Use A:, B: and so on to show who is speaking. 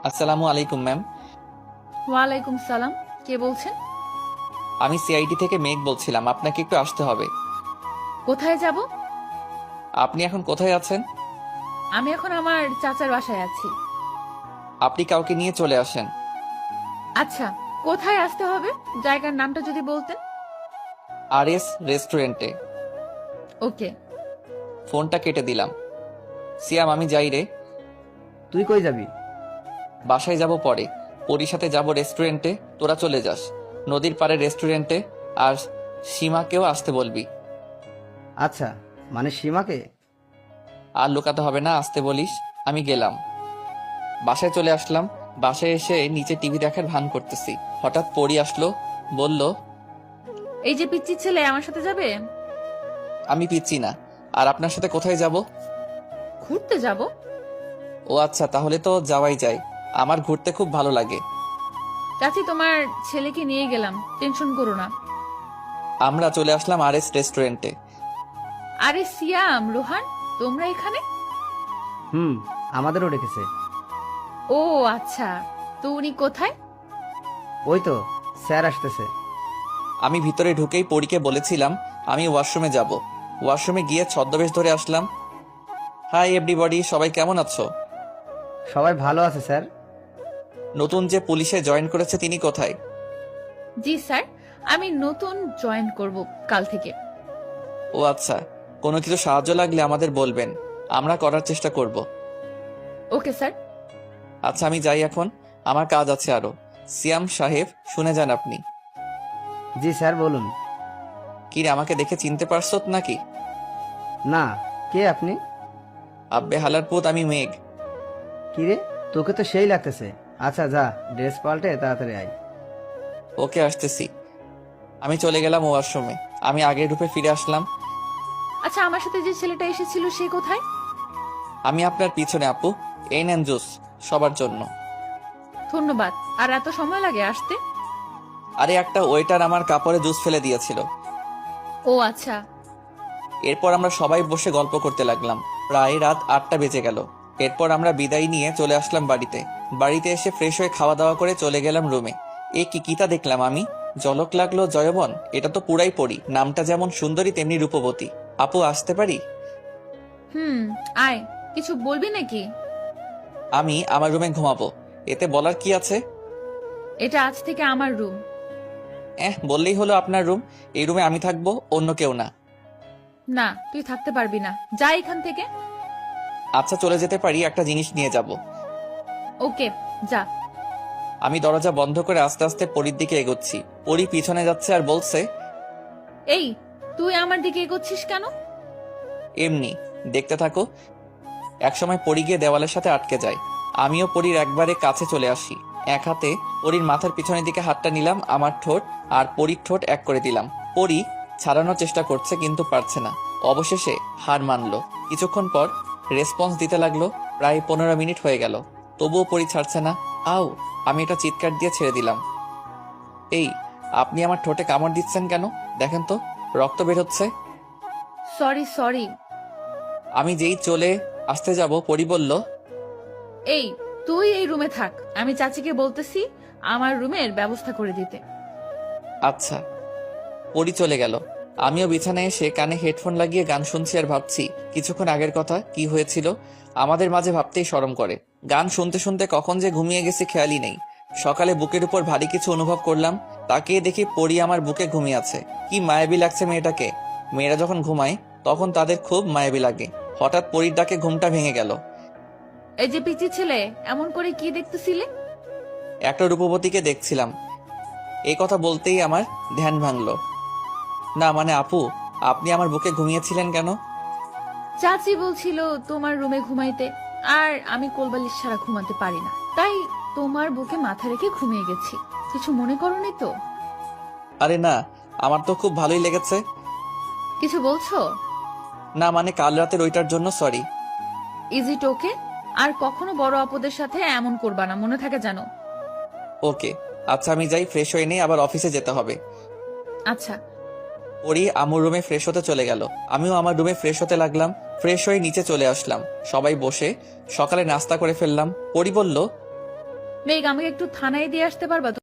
A: আসসালামু আলাইকুম ম্যাম।
B: ওয়ালাইকুম সালাম। কে বলছেন?
A: আমি সিআইডি থেকে মেঘ বলছিলাম, আপনাকে একটু আসতে হবে।
B: কোথায় যাব?
A: আপনি এখন কোথায় আছেন?
B: আমি এখন আমার চাচার বাসায় আছি।
A: আপনি কাউকে নিয়ে চলে আসেন।
B: আচ্ছা, কোথায় আসতে হবে? জায়গার নামটা যদি বলতেন।
A: আরএস রেস্টুরেন্টে।
B: ওকে।
A: ফোনটা কেটে দিলাম। সিয়াম, আমি যাই রে।
C: তুই কই যাবি?
A: বাসায় যাব পরে। পরির সাথে যাব রেস্টুরেন্টে, তোরা চলে যাস নদীর পাড়ে রেস্টুরেন্টে। আর সীমাকেও আসতে বলবি।
C: আচ্ছা, মানে সীমাকে?
A: আর লুকাতে হবে না, আসতে বলিস। আমি গেলাম। বাসায় চলে আসলাম। বাসায় এসে নিচে টিভি দেখার ভান করতেছি, হঠাৎ পরি আসলো। বলল,
B: এই যে পিচ্চি ছেলে আমার সাথে যাবে?
A: আমি পিচ্ছি না। আর আপনার সাথে কোথায় যাব?
B: ঘুরতে যাব।
A: ও আচ্ছা, তাহলে তো যাওয়াই যায়। আমার ঘুরতে খুব ভালো লাগে।
B: চাচি, তোমার ছেলেকে নিয়ে গেলাম, টেনশন করো না।
A: আমরা চলে আসলাম আরএস রেস্টুরেন্টে।
B: আরে সিয়াম, রোহান, তোমরা এখানে?
C: হুম, আমাদেরও রেখেছে।
B: ও আচ্ছা, তো উনি কোথায়?
C: ওই তো স্যার আসতেছে।
A: আমি ভিতরে ঢুকেই পরীকে বলেছিলাম আমি ওয়াশরুমে যাব। ওয়াশরুমে গিয়ে ছদ্মবেশ ধরে আসলাম। হাই এভরিবডি, সবাই কেমন আছো?
C: সবাই ভালো আছে স্যার।
A: নতুন যে পুলিশে জয়েন করেছে তিনি কোথায়?
B: জি স্যার, আমি নতুন জয়েন করব কাল থেকে।
A: ও আচ্ছা, কোনো কিছু সাহায্য লাগলে আমাদের বলবেন, আমরা করার চেষ্টা করব।
B: Okay sir.
A: আচ্ছা, আমি যাই এখন, আমার কাজ আছে আরো। সিয়াম সাহেব, শুনে যান আপনি।
C: জি স্যার, বলুন।
A: কি রে, আমাকে দেখে চিনতে পারছো নাকি?
C: না, কে আপনি?
A: আব্বে হালার পুত, আমি মেঘ।
C: কি রে, তোকে তো সেই লাগতেছে। আচ্ছা যা, ড্রেস পাল্টে তাড়াতাড়ি আয়।
A: ওকে, আসতেছি। আমি চলে গেলাম ওয়াশরুমে। আমি আগের রূপে ফিরে আসলাম।
B: আচ্ছা, আমার সাথে যে ছেলেটা এসেছিল সে কোথায়?
A: আমি আপনার পিছনে আপু। এই নেন জুস, সবার জন্য।
B: ধন্যবাদ। আর এত সময় লাগে আসতে?
A: আরে একটা ওয়েটার আমার কাপড়ে জুস ফেলে দিয়েছিল।
B: ও আচ্ছা।
A: এরপর আমরা সবাই বসে গল্প করতে লাগলাম। প্রায় রাত 8টা বেজে গেল। এরপর আমরা বিদায় নিয়ে চলে আসলাম বাড়িতে। বাড়িতে এসে ফ্রেশ হয়ে খাওয়া দাওয়া করে চলে গেলাম রুমে। এ কি কিতা দেখলাম আমি! জলক লাগলো জয়বন, এটা তো পুরাই পড়ি। নামটা যেমন সুন্দরী তেমনি রূপবতী। আপু, আসতে পারি?
B: হুম, আয়। কিছু বলবি নাকি?
A: আমি আমার রুমে ঘুমাবো, এতে বলার কি আছে?
B: এটা আজ থেকে আমার রুম।
A: বললেই হলো আপনার রুম। এই রুমে আমি থাকবো, অন্য কেউ না।
B: না, তুই থাকতে পারবি না, যা এখান থেকে।
A: আচ্ছা, চলে যেতে পারি, একটা জিনিস নিয়ে যাব।
B: ওকে, যা।
A: আমি দরজা বন্ধ করে আস্তে আস্তে পরীর দিকে এগোচ্ছি। পরী পিছনে যাচ্ছে আর বলছে,
B: এই, তুই আমার দিকে এগোচ্ছিস কেন?
A: এমনি দেখতে থাকো। একসময় পরী গিয়ে দেওয়ালের সাথে আটকে যায়। আমিও পরীর একবারে কাছে চলে আসি। এক হাতে পরীর মাথার পিছনের দিকে হাতটা নিলাম, আমার ঠোঁট আর পরীর ঠোঁট এক করে দিলাম। পরী ছাড়ানোর চেষ্টা করছে কিন্তু পারছে না। অবশেষে হার মানলো। কিছুক্ষণ পর রেসপন্স দিতে লাগলো। প্রায় 15 মিনিট হয়ে গেল, তবুও পরী ছাড়ছে না। আও! আমি এটা চিৎকার দিয়ে ছেড়ে দিলাম। এই, আপনি আমার ঠোঁটে কামড় দিচ্ছেন কেন? দেখেন তো, রক্ত বের হচ্ছে।
B: Sorry sorry.
A: আমি যেই চলে আসতে যাব, পরী বলল,
B: এই, তুই এই রুমে থাক, আমি চাচিকে বলতেছি আমার রুমের ব্যবস্থা করে দিতে।
A: আচ্ছা। পরী চলে গেল। আমিও বিছানায় এসে কানে হেডফোন লাগিয়ে গান শুনছি আর ভাবছি কিছুক্ষণ আগের কথা, কি হয়েছিল আমাদের মাঝে, ভাবতেই শরম করে। গান শুনতে শুনতে কখন যে ঘুমিয়ে গেছি খেয়ালই নেই। সকালে বুকের উপর ভারী কিছু অনুভব করলাম। তাকিয়ে দেখি পরী আমার বুকে ঘুমিয়ে আছে। কি মায়াবী লাগছে মেয়েটাকে। মেয়েরা যখন ঘুমায় তখন তাদের খুব মায়াবী লাগে। হঠাৎ পরীর ডাকে ঘুমটা ভেঙে গেল।
B: এই যে পিচি ছেলে, এমন করে কি দেখতেছিলে?
A: একটা রূপবতীকে দেখছিলাম। এই কথা বলতেই আমার ধ্যান ভাঙলো। না মানে আপু, আপনি আমার বুকে ঘুমিয়েছিলেন কেন?
B: চাচি বলছিল তোমার রুমে ঘুমাইতে, আর আমি কোলবালিশ ছাড়া ঘুমাতে পারি না, তাই তোমার বুকে মাথা রেখে ঘুমিয়ে গেছি। কিছু মনে করোনি তো?
A: আরে না, আমার তো খুব ভালোই লেগেছে।
B: কিছু বলছো?
A: না মানে কাল রাতের ওইটার জন্য সরি।
B: ইজ ইট ওকে? আর কখনো বড় আপদের সাথে এমন করবা না, মনে থাকে জানো।
A: ওকে। আচ্ছা, আমি যাই, ফ্রেশ হয়ে নেই, আবার অফিসে যেতে হবে।
B: আচ্ছা।
A: পরি আমার রুমে ফ্রেশ হতে চলে গেল। আমিও আমার রুমে ফ্রেশ হতে লাগলাম। ফ্রেশ হয়ে নিচে চলে আসলাম। সবাই বসে সকালে নাস্তা করে ফেললাম। পরি বলল,
B: মেঘ, আমাকে একটু থানায় দিয়ে আসতে পারবা?